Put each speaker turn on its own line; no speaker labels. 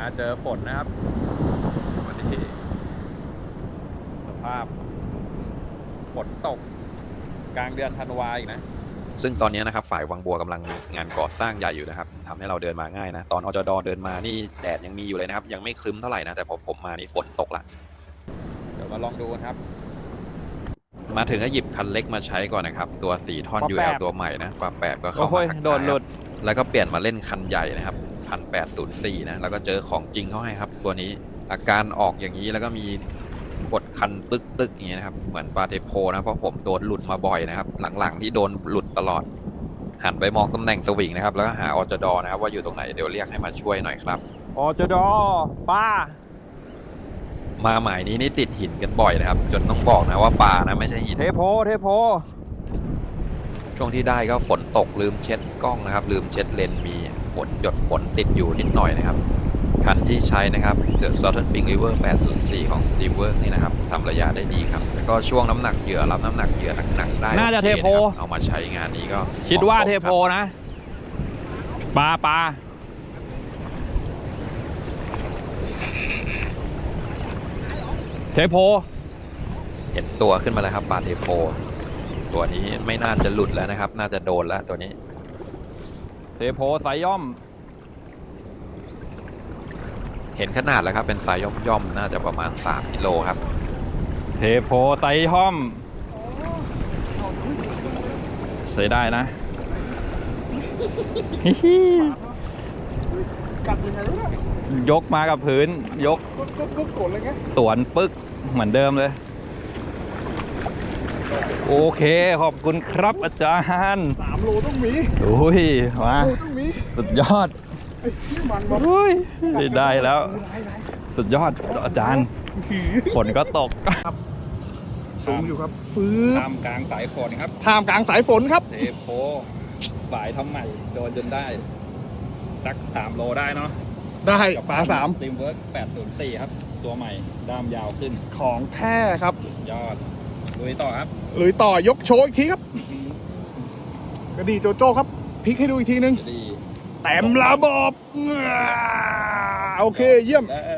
เจอฝนนะครับวันนี้สภาพฝนตกกลางเดือนธันวาอีกนะ
ซึ่งตอนนี้นะครับฝ่ายวังบัวกำลังงานก่อสร้างใหญ่อยู่นะครับทำให้เราเดินมาง่ายนะตอนอจดเดินมานี่แดดยังมีอยู่เลยนะครับยังไม่ครึ้มเท่าไหร่นะแต่พอผมมานี่ฝนตกละ
เดี๋ยวมาลองดูครับ
มาถึงก็หยิบคันเล็กมาใช้ก่อนนะครับตัว4ท่อน UL ตัวใหม่นะปรับแปบก็เข้ามาทักทายแล้วก็เปลี่ยนมาเล่นคันใหญ่นะครับ1804นะแล้วก็เจอของจริงเขาให้ครับตัวนี้อาการออกอย่างนี้แล้วก็มีกดคันตึกอย่างนี้นะครับเหมือนปาเทโพนะเพราะผมโดนหลุดมาบ่อยนะครับหลังๆที่โดนหลุดตลอดหันไปมองตำแหน่งสวิงนะครับแล้วก็หาอจดนะครับว่าอยู่ตรงไหนเดี๋ยวเรียกให้มาช่วยหน่อยครับ
อจดป้า
มาหมายนี้นี่ติดหินกันบ่อยนะครับจนต้องบอกนะว่าปลานะไม่ใช่หิน
เทโพ
ช่วงที่ได้ก็ฝนตกลืมเช็ดกล้องนะครับลืมเช็ดเลนมีฝนหยดฝนติดอยู่นิดหน่อยนะครับคันที่ใช้นะครับ The Southern Pink River 804 ของ Steamwork นี่นะครับทำระยะได้ดีครับแล้วก็ช่วงน้ำหนักเหยื่อรับน้ำหนักเหยื่อหนักๆได้
น่าจะเทโพ
เอามาใช้งานนี้ก็
คิดว่าเทโพนะปลาเทโพ
เห็นตัวขึ้นมาแล้วครับปลาเทโพตัวนี้ไม่น่าจะหลุดแล้วนะครับน่าจะโดนแล้วตัวนี้
เทโพสายย่อม
เห็นขนาดแล้วครับเป็นไซส์ย่อมๆน่าจะประมาณ3กิโลครับ
เทโพไซส์ย่อมใช้ได้นะยกมากับพื้นยกสวนปึ๊กเหมือนเดิมเลยโอเคขอบคุณครับอาจารย์
3 โลต้องมี
โอ้ยมาสุดยอดโอ้ยได้แล้วสุดยอดอาจารย์ฝนก็ตก
ครับสูงอยู่ครับฟื้น
ท่ามกลางสายฝนครับ
ท่ามกลางสายฝนครับ
เทโพสายทำใหม่โดนจนได้สัก3 โลได้เนาะ
ได้ปลา3
Steamwork 804ครับตัวใหม่ด้ามยาวขึ้น
ของแท้ครับ
ยอดลุยต่อครับ
ลุยต่อยกโชว์อีกทีครับกระดี่โจโจ้ครับพลิกให้ดูอีกทีนึงแต้มระบบโอเคเยี่ยม